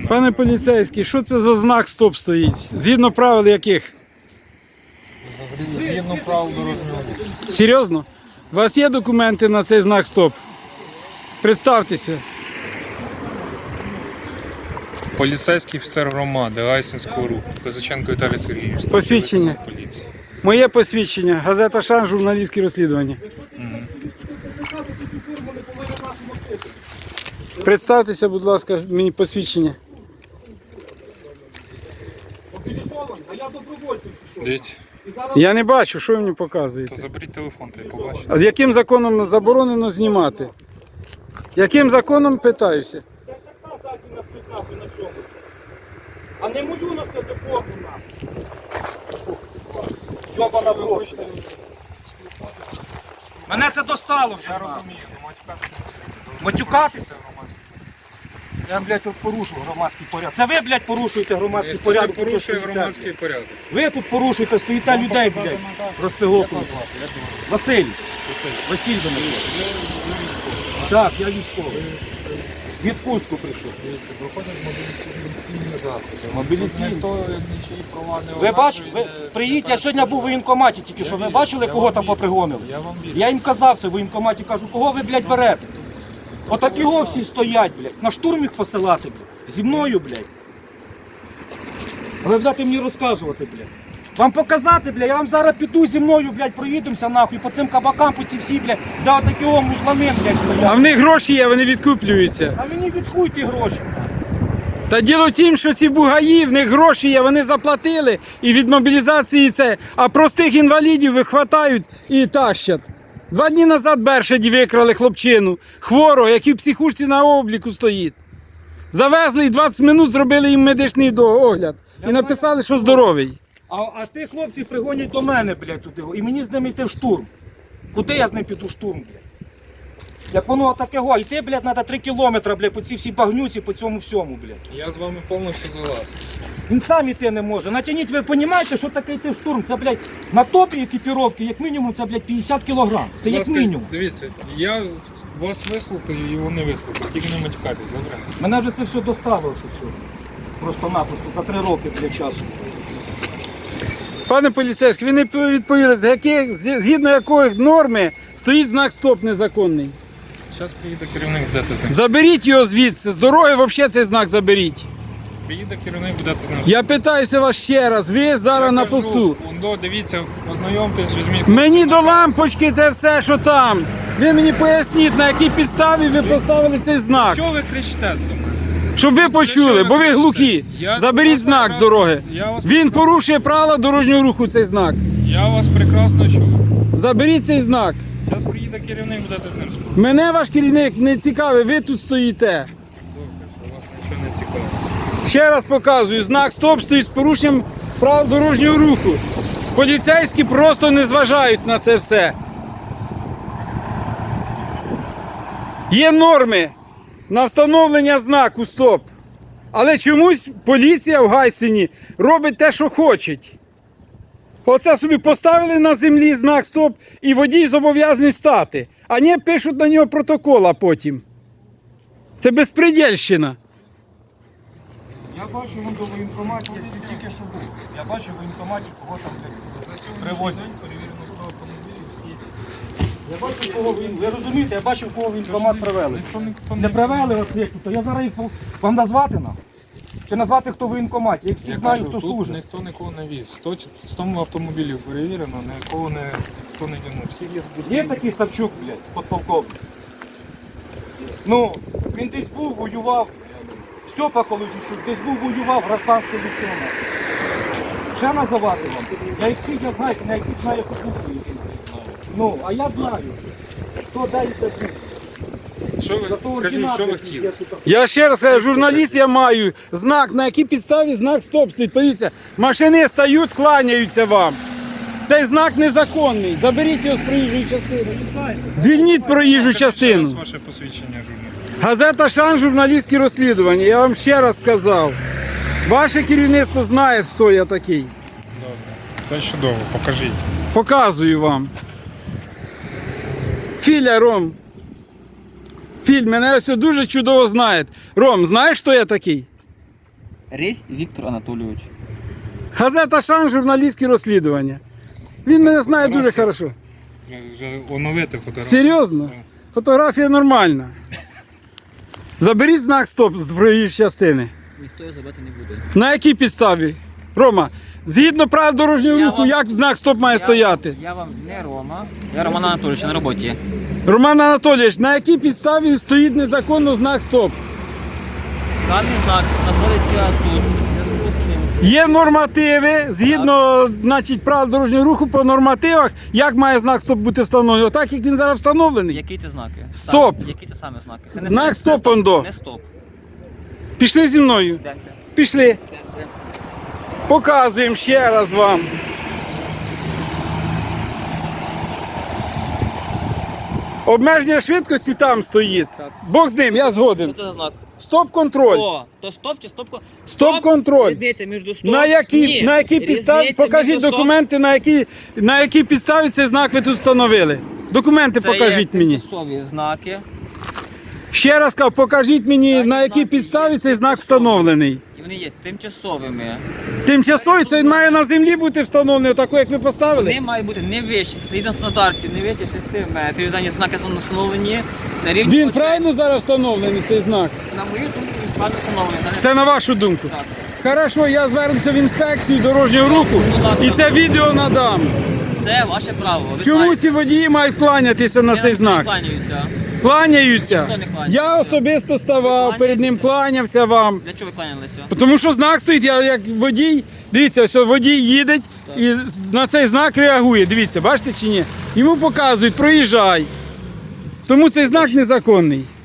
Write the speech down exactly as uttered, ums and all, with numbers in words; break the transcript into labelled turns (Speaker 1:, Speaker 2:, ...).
Speaker 1: Пане поліцейський, що це за знак стоп стоїть? Згідно правил яких?
Speaker 2: Згідно правил дорожнього руху.
Speaker 1: Серйозно? У вас є документи на цей знак стоп? Представтеся.
Speaker 2: Поліцейський офіцер громади Гайсинського руху. Козаченко Віталій Сергійович.
Speaker 1: Посвідчення.
Speaker 2: Поліції.
Speaker 1: Моє посвідчення. Газета «Шанс», журналістські розслідування.
Speaker 2: Мгм.
Speaker 1: Представтеся, будь ласка, мені посвідчення.
Speaker 2: Дивіться,
Speaker 1: Я не бачу, що ви мені показуєте.
Speaker 2: то заберіть телефон, та й побачите.
Speaker 1: А яким законом заборонено знімати? Яким законом, питаюся?
Speaker 3: А не можу носити форму нам. Йобана бочка. Мене це достало вже.
Speaker 2: Я розумію,
Speaker 3: Матюкатися? Я, блядь, от порушу громадський порядок. Це ви, блядь, порушуєте громадський
Speaker 2: Ніхто не
Speaker 3: порядок.
Speaker 2: порушує
Speaker 3: тут стоїте.
Speaker 2: громадський порядок.
Speaker 3: Ви тут порушуєте, стоїте людей, блядь. Розтигоку. Василь. Василь до мене. Так, я військовий. Відпустку прийшов.
Speaker 2: Проходять мобілізаційні заходи.
Speaker 3: Мобілізаційні?
Speaker 2: Ніхто нічиї права не
Speaker 3: Ви бачите, ви приїдьте, я сьогодні був у воєнкоматі тільки що. Ви бачили, кого там попригонили?
Speaker 2: Я вам вірю.
Speaker 3: Я їм казав це в воєнкоматі, кажу, кого ви, блядь, берете? Отак його всі стоять, блядь. На штурм їх посилати, блядь. Зі мною, блядь. А ви будете мені розказувати, блядь. Вам показати, блядь, я вам зараз піду зі мною, блядь, проїдемося нахуй по цим кабакам, по ці всі, блядь, де отакі о мужлани, блядь,
Speaker 1: А
Speaker 3: стоять.
Speaker 1: в них гроші є, вони відкуплюються.
Speaker 3: А мені відхуй ті гроші.
Speaker 1: Та діло в тім, що ці бугаї, в них гроші є, вони заплатили і від мобілізації це, а простих інвалідів вихватають і тащать. Два дні назад Бершаді викрали хлопчину, хворого, який в психушці на обліку стоїть. Завезли і двадцять минут зробили їм медичний до- огляд. І написали, що здоровий.
Speaker 3: А, а тих хлопців пригонять до мене, блядь, туди. І мені з ними йти в штурм. Куди я з ним піду в штурм, блядь? Як воно таке го, йти, блядь, треба три кілометри, блядь, по цій всій багнюці, по цьому всьому, блядь.
Speaker 2: Я з вами повністю згоден.
Speaker 3: Він сам іти не може. Натягніть, ви розумієте, що таке йти в штурм? Це, блядь, на топі екіпіровки, як мінімум, це, блядь, п'ятдесят кілограм. Це як
Speaker 2: Будь ласка,
Speaker 3: мінімум.
Speaker 2: Дивіться, я вас вислухаю і його не вислухаю. Тільки не матюкайтесь, добре?
Speaker 3: Мене вже це все доставило, це все. Просто-напросто, за три роки, блядь, часу.
Speaker 1: Пане поліцейський, ви не відповіли, з яких, згідно якої норми стоїть знак стоп незаконний.
Speaker 2: Зараз приїде керівник, будете з ним.
Speaker 1: Заберіть його звідси, з дороги взагалі цей знак заберіть.
Speaker 2: Приїде керівник, будете з ним.
Speaker 1: Я питаюся вас ще раз, ви зараз
Speaker 2: Я
Speaker 1: на
Speaker 2: кажу,
Speaker 1: посту.
Speaker 2: Ондо, дивіться, ознайомтесь, візьміть.
Speaker 1: Мені до лампочки те все, що там. Ви мені поясніть, на якій підставі ви поставили цей знак.
Speaker 2: Що ви кричите до мене?
Speaker 1: Щоб ви почули, бо ви глухі.
Speaker 2: Я
Speaker 1: Заберіть
Speaker 2: вас
Speaker 1: знак з
Speaker 2: прекрасно-
Speaker 1: дороги.
Speaker 2: Я вас
Speaker 1: Він
Speaker 2: прекрасно-
Speaker 1: порушує правила дорожнього руху, цей знак.
Speaker 2: Я вас прекрасно чую.
Speaker 1: Заберіть цей знак.
Speaker 2: Зараз приїде керівник, будете з ним спілкуватися.
Speaker 1: Мене ваш керівник не цікавий, ви тут стоїте.
Speaker 2: Добре, що вас нічого не цікавить.
Speaker 1: Ще раз показую, знак стоп стоїть з порушенням правил дорожнього руху. Поліцейські просто не зважають на це все. Є норми на встановлення знаку стоп. Але чомусь поліція в Гайсині робить те, що хоче. Оце собі поставили на землі знак стоп і водій зобов'язаний стати. А не пишуть на нього протокола потім. Це безпредельщина.
Speaker 3: Я бачу, вон до воєнкоматі, я всі тільки що був. Я бачу в воєнкоматі, кого там, блядь, привозять. Я бачу, кого він. Ви розумієте, я бачив, кого воєнкомат привели.
Speaker 2: Ніхто, ніхто
Speaker 3: Не
Speaker 2: не
Speaker 3: привели оцих, то я зараз їх по- вам назвати нам? Чи назвати, хто в воєнкоматі? Я їх всіх
Speaker 2: Я
Speaker 3: знаю,
Speaker 2: кажу,
Speaker 3: хто
Speaker 2: тут
Speaker 3: служить.
Speaker 2: ніхто нікого не віз. Сто, сто автомобілів перевірено, нікого не, хто не тягнув. Всі є тут.
Speaker 3: Є такий Савчук, блядь, подполковник. Ну, він десь був, воював. Степа Колодійчук десь був, воював, гражданський ліцеонер. Ще називати вам? Я їх всіх я знаю, я їх всіх знаю, як купую. Ну, а я знаю, хто де і де був.
Speaker 2: Що ви,
Speaker 3: Зато
Speaker 2: кажіть, що ви
Speaker 3: ординати
Speaker 2: хотіли?
Speaker 3: є тут.
Speaker 1: Я ще раз кажу, журналіст я маю знак, на якій підставі знак стоп стоїть. Подивіться, машини стають, кланяються вам. Цей знак незаконний. Заберіть його з проїжджої частини. Звільніть проїжджу
Speaker 2: Покажіть ще раз
Speaker 1: частину.
Speaker 2: ваше посвідчення журналіста.
Speaker 1: Газета «Шанс», журналістські розслідування. Я вам ще раз сказав. Ваше керівництво знає, хто я такий.
Speaker 2: Добре. Це чудово, покажіть.
Speaker 1: Показую вам. Філя, Ром. Філь, мене все дуже чудово знає. Ром, знаєш, хто я такий?
Speaker 4: Рись Віктор Анатолійович.
Speaker 1: Газета «Шанс», журналістські розслідування. Він мене знає дуже хорошо.
Speaker 2: Треба вже оновити фотографію.
Speaker 1: Серйозно?
Speaker 2: Так.
Speaker 1: Фотографія нормальна. Заберіть знак стоп з проїжджої частини.
Speaker 4: Ніхто його забрати не буде.
Speaker 1: На якій підставі? Рома, згідно правил дорожнього
Speaker 4: Я
Speaker 1: руху,
Speaker 4: вам-
Speaker 1: як знак стоп має
Speaker 4: Я-
Speaker 1: стояти?
Speaker 4: Я вам не Рома. Я Роман Анатолійович на роботі.
Speaker 1: Роман Анатолійович, на якій підставі стоїть незаконно знак стоп?
Speaker 4: Даний знак знаходиться тут. В зв'язку з тим,
Speaker 1: Є нормативи, згідно значить, правил дорожнього руху по нормативах, як має знак стоп бути встановлений. Отак, як він зараз встановлений.
Speaker 4: які це знаки?
Speaker 1: Стоп.
Speaker 4: Саме- Які це саме знаки? Це не-
Speaker 1: Знак
Speaker 4: не
Speaker 1: стоп, ондо.
Speaker 4: Не стоп.
Speaker 1: Пішли зі мною.
Speaker 4: Йдемте.
Speaker 1: Пішли.
Speaker 4: Йдемте.
Speaker 1: Показуємо ще раз вам. Обмеження швидкості там стоїть.
Speaker 4: Так.
Speaker 1: Бог з ним, я згоден.
Speaker 4: Що це за знак?
Speaker 1: Стоп-контроль.
Speaker 4: О, то стоп чи стоп?
Speaker 1: Стоп-контроль.
Speaker 4: Різниця між стоп.
Speaker 1: На якій,
Speaker 4: Ні.
Speaker 1: на якій підставі,
Speaker 4: Різниця
Speaker 1: покажіть
Speaker 4: між стоп-
Speaker 1: документи, на якій, на якій підставі цей знак ви тут встановили. Документи
Speaker 4: Це
Speaker 1: покажіть
Speaker 4: є
Speaker 1: мені.
Speaker 4: тимчасові знаки.
Speaker 1: Ще раз кажу, покажіть мені,
Speaker 4: Дані
Speaker 1: на якій
Speaker 4: знаки
Speaker 1: підставі
Speaker 4: є
Speaker 1: цей знак
Speaker 4: тимчасові.
Speaker 1: встановлений.
Speaker 4: І вони є тимчасовими.
Speaker 1: Тимчасовий це він має на землі бути встановлений, отако як ви поставили.
Speaker 4: Вони мають бути не вищі, згідно стандартів, не вище шести метрів. Дані знаки встановлені на рівні.
Speaker 1: Він
Speaker 4: очей.
Speaker 1: правильно зараз встановлений, цей знак?
Speaker 4: На мою думку, він правильно встановлений. Дані-
Speaker 1: Це на вашу думку.
Speaker 4: Так.
Speaker 1: Хорошо, я звернуся в інспекцію дорожнього руху
Speaker 4: Будь ласка.
Speaker 1: і це відео надам.
Speaker 4: Це ваше право. Ви
Speaker 1: Чому
Speaker 4: знаєте.
Speaker 1: ці водії мають кланятися на
Speaker 4: Я
Speaker 1: цей
Speaker 4: не
Speaker 1: знак?
Speaker 4: кланяються.
Speaker 1: Кланяються.
Speaker 4: Ніхто не кланяється.
Speaker 1: Я особисто ставав, перед ним кланявся вам.
Speaker 4: Для чого ви кланялися?
Speaker 1: Тому що знак стоїть, я як водій, дивіться, що водій їде і на цей знак реагує. Дивіться, бачите чи ні? Йому показують, проїжджай. Тому цей знак незаконний.